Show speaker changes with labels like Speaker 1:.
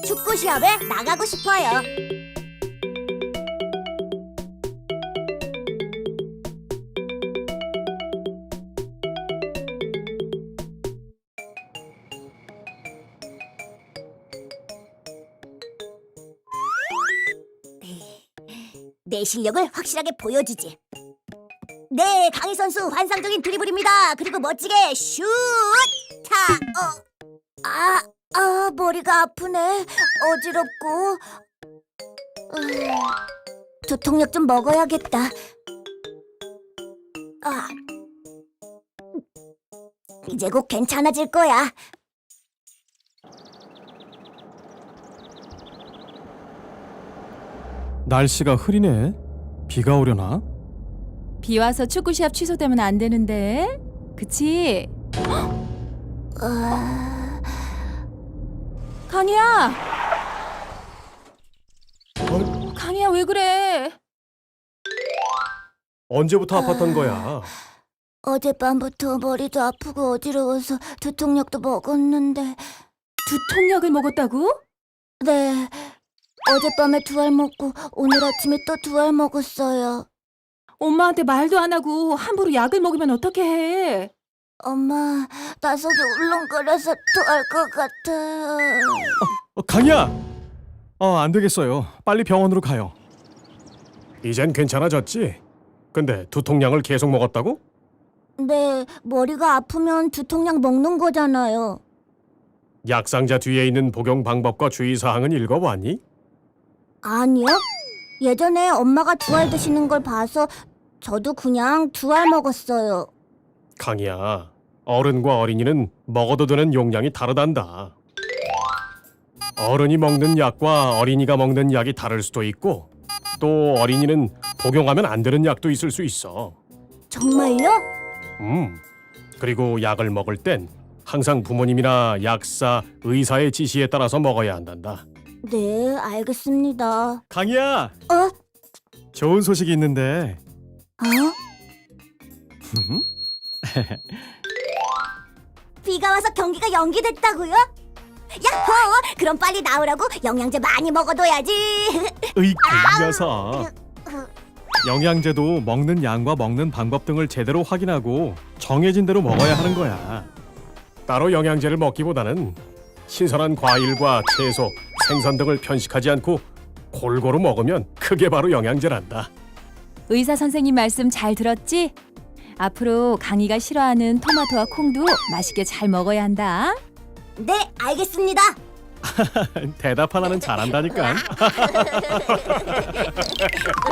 Speaker 1: 축구 시합에 나가고 싶어요. 내 실력을 확실하게 보여주지. 네, 강희 선수 환상적인 드리블입니다. 그리고 멋지게 슛! 머리가 아프네. 어지럽고. 두통약 좀 먹어야겠다. 이제 곧 괜찮아질 거야.
Speaker 2: 날씨가 흐리네. 비가 오려나?
Speaker 3: 비 와서 축구 시합 취소되면 안 되는데. 그치? 강희야! 강희야 왜 그래?
Speaker 2: 언제부터 아팠던 거야?
Speaker 1: 어젯밤부터 머리도 아프고 어지러워서 두통약도 먹었는데.
Speaker 3: 두통약을 먹었다고?
Speaker 1: 네, 어젯밤에 2알 먹고 오늘 아침에 또 2알 먹었어요.
Speaker 3: 엄마한테 말도 안 하고 함부로 약을 먹으면 어떻게 해?
Speaker 1: 엄마, 나 속이 울렁거려서 토할 것 같아.
Speaker 2: 강희야! 안 되겠어요. 빨리 병원으로 가요. 이젠 괜찮아졌지? 근데 두통약을 계속 먹었다고?
Speaker 1: 네, 머리가 아프면 두통약 먹는 거잖아요.
Speaker 2: 약상자 뒤에 있는 복용 방법과 주의사항은 읽어봤니?
Speaker 1: 아니요? 예전에 엄마가 2알 드시는 걸 봐서 저도 그냥 2알 먹었어요.
Speaker 2: 강희야, 어른과 어린이는 먹어도 되는 용량이 다르단다. 어른이 먹는 약과 어린이가 먹는 약이 다를 수도 있고, 또 어린이는 복용하면 안 되는 약도 있을 수 있어.
Speaker 1: 정말요?
Speaker 2: 그리고 약을 먹을 땐 항상 부모님이나 약사, 의사의 지시에 따라서 먹어야 한단다.
Speaker 1: 네, 알겠습니다.
Speaker 2: 강희야!
Speaker 1: 어?
Speaker 2: 좋은 소식이 있는데.
Speaker 1: 비가 와서 경기가 연기됐다고요? 야호! 그럼 빨리 나오라고 영양제 많이 먹어둬야지.
Speaker 2: 으이, 그 녀석. 영양제도 먹는 양과 먹는 방법 등을 제대로 확인하고 정해진 대로 먹어야 하는 거야. 따로 영양제를 먹기보다는 신선한 과일과 채소, 생선 등을 편식하지 않고 골고루 먹으면 그게 바로 영양제란다.
Speaker 3: 의사 선생님 말씀 잘 들었지? 앞으로 강희가 싫어하는 토마토와 콩도 맛있게 잘 먹어야 한다.
Speaker 1: 네, 알겠습니다.
Speaker 2: 대답 하나는 잘한다니까.